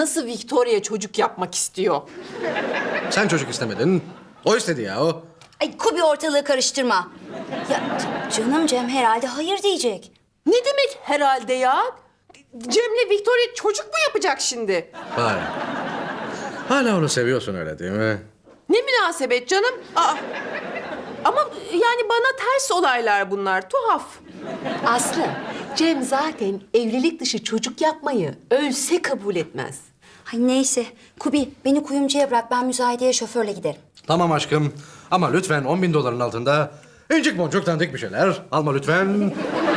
nasıl Victoria çocuk yapmak istiyor? Sen çocuk istemedin. O istedi ya o. Ay Kubi ortalığı karıştırma. Ya canım Cem herhalde hayır diyecek. Ne demek herhalde ya? Cem'le Victoria çocuk mu yapacak şimdi? Vay. Hala onu seviyorsun öyle değil mi? Ne münasebet canım? Aa. Ama yani bana ters olaylar bunlar, tuhaf. Aslı, Cem zaten evlilik dışı çocuk yapmayı ölse kabul etmez. Ay neyse Kubi beni kuyumcuya bırak, ben müzayedeye şoförle giderim. Tamam aşkım. Ama lütfen 10.000 doların altında incik boncuk dandik bir şeyler alma lütfen.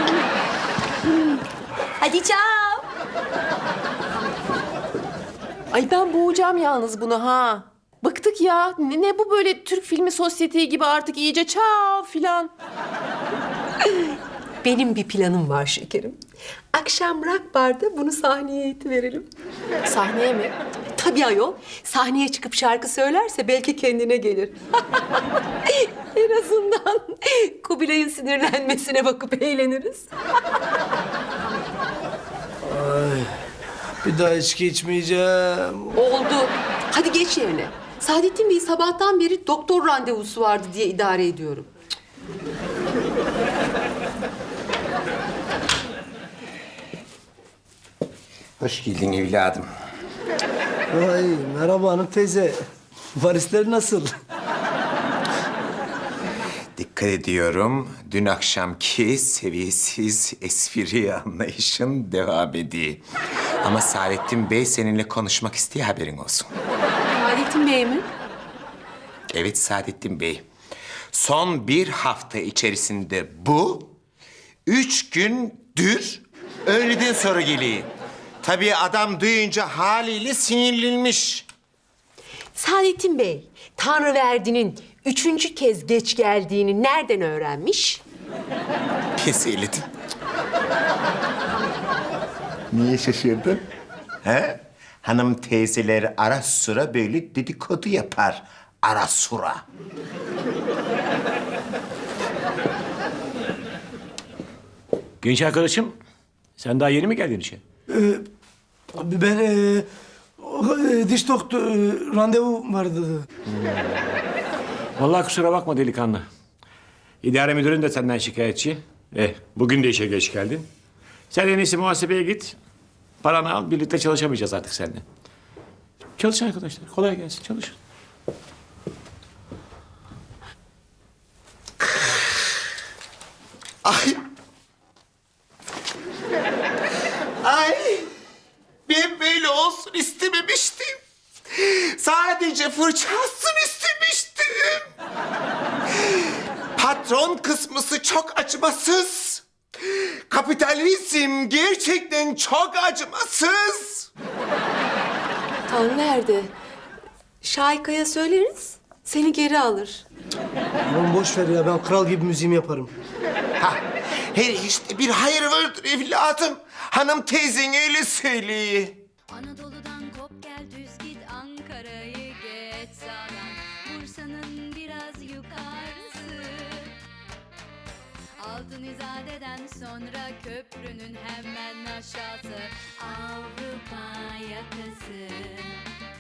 Hadi ciao. Ay ben boğacağım yalnız bunu ha. Bıktık ya. Ne bu böyle Türk filmi sosyeti gibi artık iyice çav filan. Benim bir planım var şekerim. Akşam rock barda bunu sahneye eğitiverelim. Sahneye mi? Tabii ayol. Sahneye çıkıp şarkı söylerse belki kendine gelir. En azından Kubilay'ın sinirlenmesine bakıp eğleniriz. Bir daha içki içmeyeceğim. Oldu. Hadi geç yerine. Saadettin Bey sabahtan beri doktor randevusu vardı diye idare ediyorum. Hoş geldin evladım. Ay merhaba hanım teyze. Varisler nasıl? Dikkat ediyorum. Dün akşamki seviyesiz espri anlayışın devam ediyor. Ama Saadettin Bey seninle konuşmak istiyor, haberin olsun. Saadettin Bey mi? Evet Saadettin Bey. Son bir hafta içerisinde bu 3 gündür öğleden sonra geliyor. Tabii adam duyunca haliyle sinirlenmiş. Saadettin Bey, Tanrıverdi'nin 3. kez geç geldiğini nereden öğrenmiş? Söyledim. Niye şaşırdın? He? Hanım teyzeler ara sıra böyle dedikodu yapar. Ara sıra. Genç arkadaşım, sen daha yeni mi geldin işe? Abi ben diş doktor randevu vardı. Vallahi kusura bakma delikanlı. İdare müdürün de senden şikayetçi. Bugün de işe geç geldin. Sen en iyisi muhasebeye git. Paranı al, birlikte çalışamayacağız artık seninle. Çalışın arkadaşlar, kolay gelsin, çalışın. Ay. Ay. Ben böyle olsun istememiştim. Sadece fırçasını istemiştim. Patron kısmısı çok acımasız. Kapitalizm gerçekten çok acımasız. Tanrıverdi. Şahika'ya söyleriz, seni geri alır. Oğlum boş ver ya, ben kral gibi müziğimi yaparım. Ha, her işte bir hayır vardır evladım. Hanım teyzen öyle söylüyor. Anadolu'dan kop gel düz git Ankara'yı geç sağdan Bursa'nın biraz yukarısı Altın İzade'den sonra köprünün hemen aşağısı Avrupa yakası